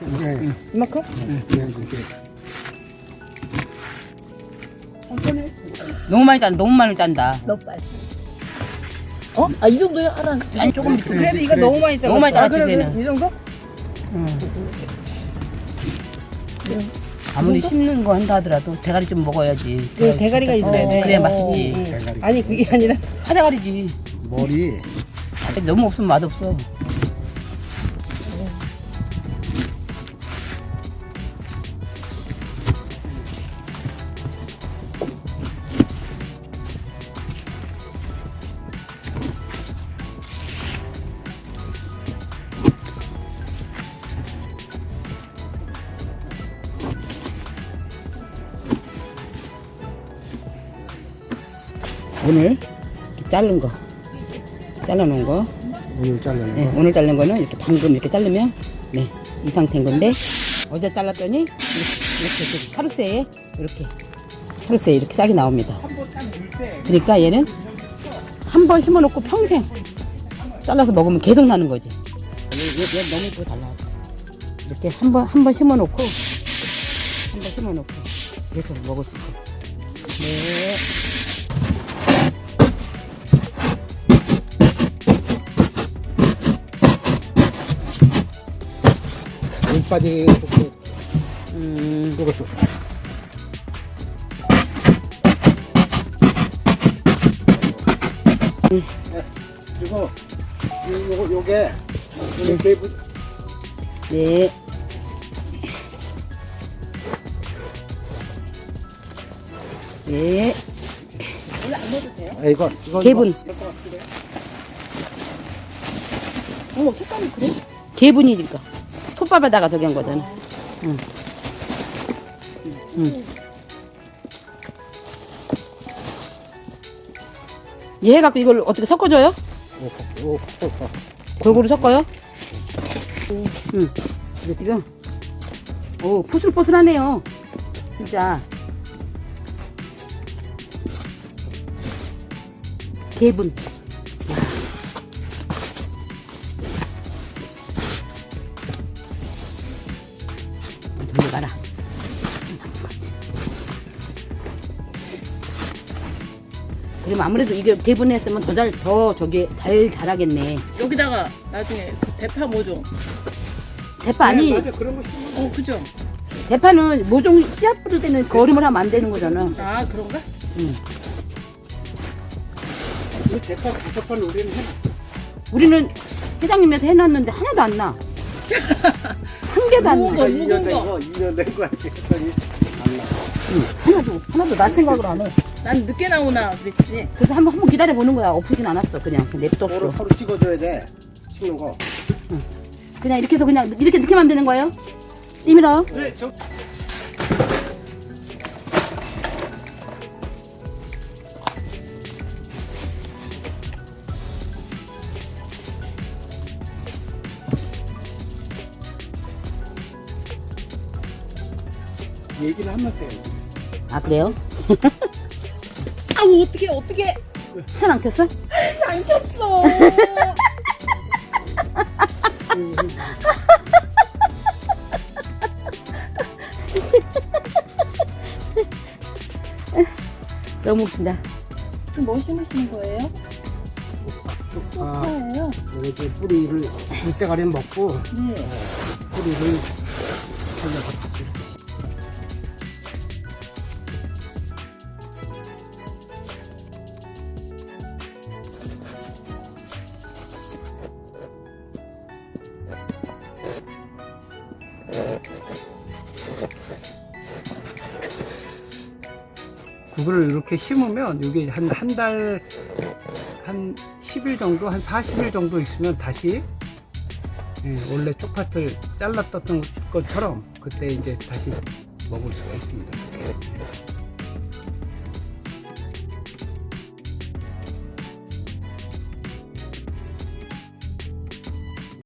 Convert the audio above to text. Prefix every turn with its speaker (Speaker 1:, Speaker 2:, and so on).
Speaker 1: 네.
Speaker 2: 이만큼?
Speaker 1: 네.
Speaker 2: 천천히.
Speaker 3: 너무 많이 짠다. 너무 많이 짠다.
Speaker 2: 너무 빨리. 어? 아, 이 정도야? 알아.
Speaker 3: 아니 조금 밑에.
Speaker 1: 그래.
Speaker 3: 그래도 이거 너무 많이 짜. 너무 많이
Speaker 2: 아,
Speaker 3: 짜놨지
Speaker 2: 그래,
Speaker 3: 얘는.
Speaker 2: 이 정도?
Speaker 3: 아무리 씹는 거 한다 하더라도 대가리 좀 먹어야지.
Speaker 2: 그 대가리가 있어야 돼.
Speaker 3: 그래야 맛있지.
Speaker 1: 대가리.
Speaker 2: 아니, 그게 아니라.
Speaker 3: 파대가리지.
Speaker 1: 머리.
Speaker 3: 너무 없으면 맛없어. 오늘 이렇게 자른 거, 잘라놓은 거.
Speaker 1: 오늘 자르는
Speaker 3: 네,
Speaker 1: 거.
Speaker 3: 오늘 자른 거는 이렇게 방금 이렇게 자르면 네, 이 상태인 건데 어제 잘랐더니 이렇게 카루세에 이렇게 싹이 나옵니다. 그러니까 얘는 한 번 심어놓고 평생 잘라서 먹으면 계속 나는 거지. 얘 너무 이쁘게 잘 나와. 이렇게 한 번 심어놓고 계속 먹을 수 있고. 네.
Speaker 1: 물 빠지게 이것도. 그리고 요게 개분.
Speaker 3: 네. 네.
Speaker 2: 원래 안 넣어도 돼요?
Speaker 1: 아, 이거
Speaker 3: 개분.
Speaker 2: 어머, 색깔이 그래?
Speaker 3: 개분이니까. 톱밥에다가 저기 한 거잖아. 응. 응. 얘 해갖고 이걸 어떻게 섞어줘요? 골고루 섞어요? 응. 근데 지금, 오, 포슬포슬하네요. 진짜. 개분. 돌려가라. 그러면 아무래도 이게 개분했으면 더 저기 잘 자라겠네.
Speaker 2: 여기다가 나중에 그 대파 모종.
Speaker 3: 대파 아니,
Speaker 1: 맞아, 그런 거 심어.
Speaker 2: 그죠?
Speaker 3: 대파는 모종 씨앗 뿌릴 때는 거름을 하면 안 되는 거잖아.
Speaker 2: 아, 그런가?
Speaker 3: 응.
Speaker 1: 이 대파 다섯 번 우리는 해.
Speaker 3: 우리는 회장님한테 해놨는데 하나도 안 나. 한 개도 안 나.
Speaker 2: 거,
Speaker 1: 2년 된
Speaker 2: 거.
Speaker 1: 거, 2년 된 거 했더니 안 나.
Speaker 3: 하나도 날 생각을 안 해.
Speaker 2: 난 늦게 나오나 그랬지.
Speaker 3: 그래서 한번 기다려 보는 거야. 엎으진 않았어. 그냥 냅뒀어.
Speaker 1: 하루 찍어줘야 돼. 찍는 거.
Speaker 3: 그냥 이렇게 해서 그냥 이렇게 하면 되는 거예요? 띠밀어.
Speaker 1: 그래, 저. 얘기를 하면서 해야지.
Speaker 3: 아 그래요?
Speaker 2: 아, 어떻게.
Speaker 3: 하나 안 켰어?
Speaker 2: 안 쳤어.
Speaker 3: 너무 웃긴다.
Speaker 2: 지금 뭐 심으시는 거예요?
Speaker 1: 아,
Speaker 2: 초파예요?
Speaker 1: 이렇게 뿌리를 물때가리는 먹고
Speaker 2: 네.
Speaker 1: 뿌리를 살려서 다시. 그거를 이렇게 심으면 이게 한 달, 한 10일 정도, 한 40일 정도 있으면 다시 원래 쪽파를 잘랐던 것처럼 그때 이제 다시 먹을 수가 있습니다.